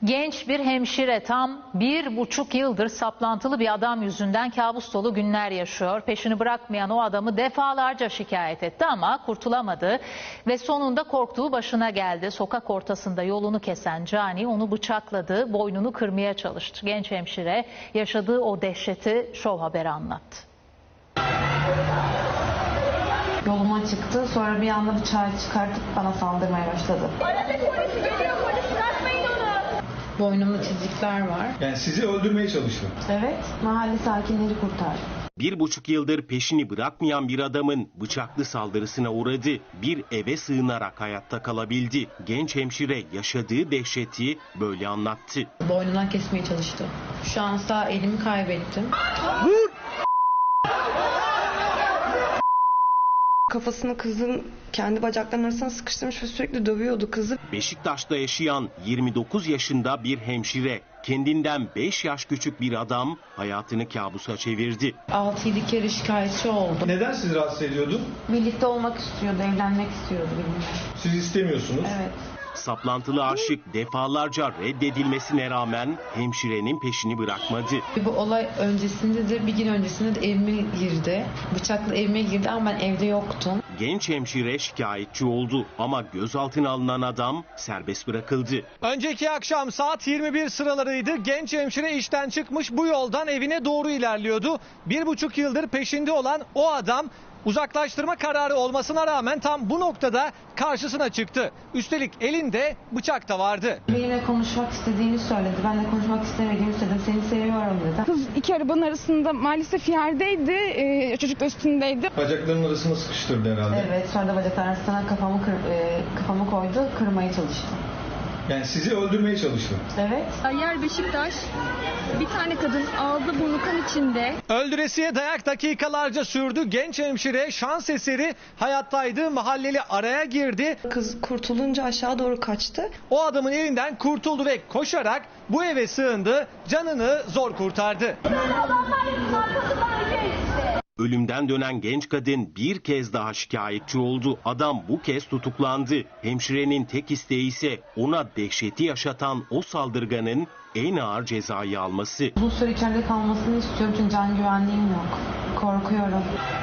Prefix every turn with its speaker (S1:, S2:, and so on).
S1: Genç bir hemşire tam 1,5 yıldır saplantılı bir adam yüzünden kabus dolu günler yaşıyor. Peşini bırakmayan o adamı defalarca şikayet etti ama kurtulamadı ve sonunda korktuğu başına geldi. Sokak ortasında yolunu kesen cani onu bıçakladı, boynunu kırmaya çalıştı. Genç hemşire yaşadığı o dehşeti Şov Haber'e anlattı.
S2: Yoluma çıktı, sonra bir anda bıçağı çıkartıp bana saldırmaya başladı.
S3: Polis geliyor, polis bırakmayın onu.
S2: Boynumda çizikler var.
S4: Yani sizi öldürmeye çalıştı.
S2: Evet, mahalle sakinleri kurtardı.
S5: 1,5 yıldır peşini bırakmayan bir adamın bıçaklı saldırısına uğradı. Bir eve sığınarak hayatta kalabildi. Genç hemşire yaşadığı dehşeti böyle anlattı.
S2: Boynundan kesmeye çalıştı. Şu an sağ elimi kaybettim.
S6: Kafasını kızın kendi bacaklarının arasına sıkıştırmış ve sürekli dövüyordu kızı.
S5: Beşiktaş'ta yaşayan 29 yaşında bir hemşire, kendinden 5 yaş küçük bir adam hayatını kabusa çevirdi.
S2: 6-7 kere şikayetçi oldu.
S4: Neden sizi rahatsız ediyordu?
S2: Birlikte olmak istiyordu, evlenmek istiyordu benimle.
S4: Siz istemiyorsunuz.
S2: Evet.
S5: Saplantılı aşık defalarca reddedilmesine rağmen hemşirenin peşini bırakmadı.
S2: Bu olay öncesinde de bir gün öncesinde de evime girdi. Bıçakla evime girdi ama ben evde yoktum.
S5: Genç hemşire şikayetçi oldu ama gözaltına alınan adam serbest bırakıldı.
S7: Önceki akşam saat 21 sıralarıydı. Genç hemşire işten çıkmış, bu yoldan evine doğru ilerliyordu. 1,5 yıldır peşinde olan o adam uzaklaştırma kararı olmasına rağmen tam bu noktada karşısına çıktı. Üstelik elinde bıçak da vardı.
S2: Benimle konuşmak istediğini söyledi. Ben de konuşmak istemediğimi söyledim. Seni seviyorum dedi.
S8: Kız iki arabanın arasında maalesef yerdeydi. Çocuk da üstündeydi.
S4: Bacaklarının arasına sıkıştırdı herhalde.
S2: Evet, sonra da bacaklar arasına kafamı koydu, kırmaya çalıştı.
S4: Yani sizi öldürmeye çalıştı.
S2: Evet.
S3: Yer Beşiktaş. Bir tane kadın ağzı burnu kan içinde.
S7: Öldüresiye dayak dakikalarca sürdü. Genç hemşire şans eseri hayattaydı. Mahalleli araya girdi.
S6: Kız kurtulunca aşağı doğru kaçtı.
S7: O adamın elinden kurtuldu ve koşarak bu eve sığındı. Canını zor kurtardı.
S5: Ölümden dönen genç kadın bir kez daha şikayetçi oldu. Adam bu kez tutuklandı. Hemşirenin tek isteği ise ona dehşeti yaşatan o saldırganın en ağır cezayı alması.
S2: Uzun süre içeride kalmasını istiyorum çünkü can güvenliğim yok. Korkuyorum.